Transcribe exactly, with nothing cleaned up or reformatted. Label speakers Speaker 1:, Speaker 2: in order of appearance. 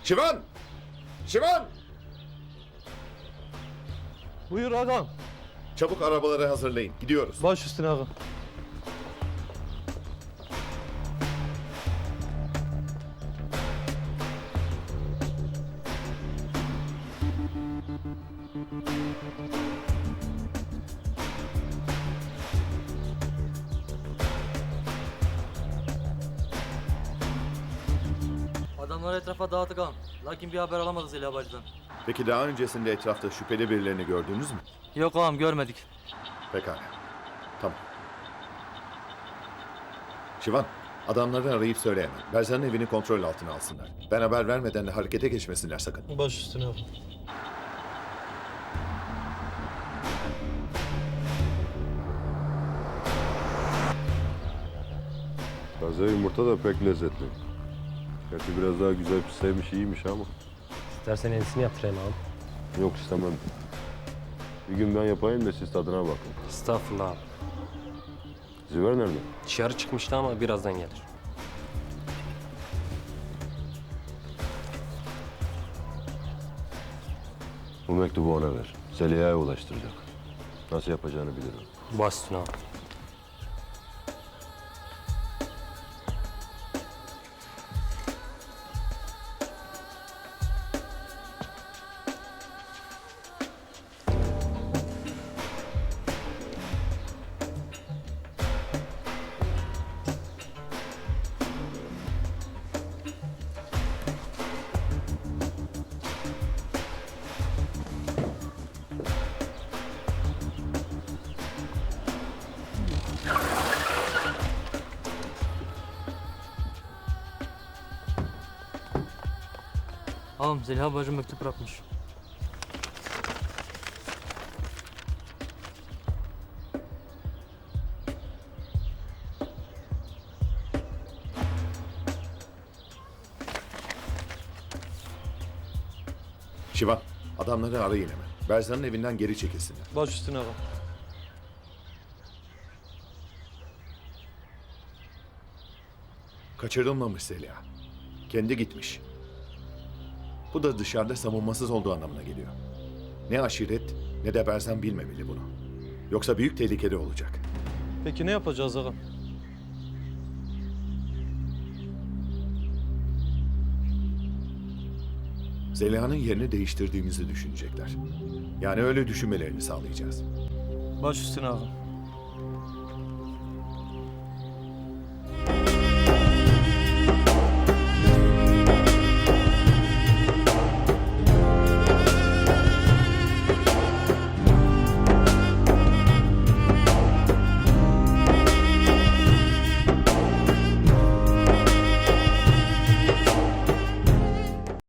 Speaker 1: Şivan! Şivan!
Speaker 2: Buyur ağam.
Speaker 1: Çabuk arabaları hazırlayın. Gidiyoruz.
Speaker 2: Baş üstüne ağam.
Speaker 3: Adamları etrafa dağıttık ağam. Lakin bir haber alamadık Zeliha bacıdan.
Speaker 1: Peki daha öncesinde etrafta şüpheli birilerini gördünüz mü?
Speaker 3: Yok ağam görmedik.
Speaker 1: Pekala. Tamam. Şivan, adamları arayıp söyle hemen. Berzan'ın evini kontrol altına alsınlar. Ben haber vermeden de harekete geçmesinler sakın.
Speaker 2: Baş üstüne ağam.
Speaker 4: Taze yumurta da pek lezzetli. Gerçi biraz daha güzel pişseymiş iyiymiş ama.
Speaker 5: İstersen yenisini yaptırayım ağam.
Speaker 4: Yok istemem. Bir gün ben yapayım da siz tadına bakın.
Speaker 5: Estağfurullah abi.
Speaker 4: Ziver nerede?
Speaker 5: Dışarı çıkmıştı ama birazdan gelir.
Speaker 4: Bu mektubu ona ver. Zeliha'ya ulaştıracak. Nasıl yapacağını bilirim.
Speaker 5: Baş üstüne ağam.
Speaker 3: Ağam Zeliha bacım mektup bırakmış.
Speaker 1: Şivan, adamları arayın hemen. Berzan'ın evinden geri çekilsinler.
Speaker 2: Baş üstüne ağam.
Speaker 1: Kaçırılmamış Zeliha. Kendi gitmiş. Bu da dışarıda savunmasız olduğu anlamına geliyor. Ne aşiret ne de Berzan bilmemeli bunu. Yoksa büyük tehlikede olacak.
Speaker 2: Peki ne yapacağız ağam?
Speaker 1: Zeliha'nın yerini değiştirdiğimizi düşünecekler. Yani öyle düşünmelerini sağlayacağız.
Speaker 2: Baş üstüne ağam.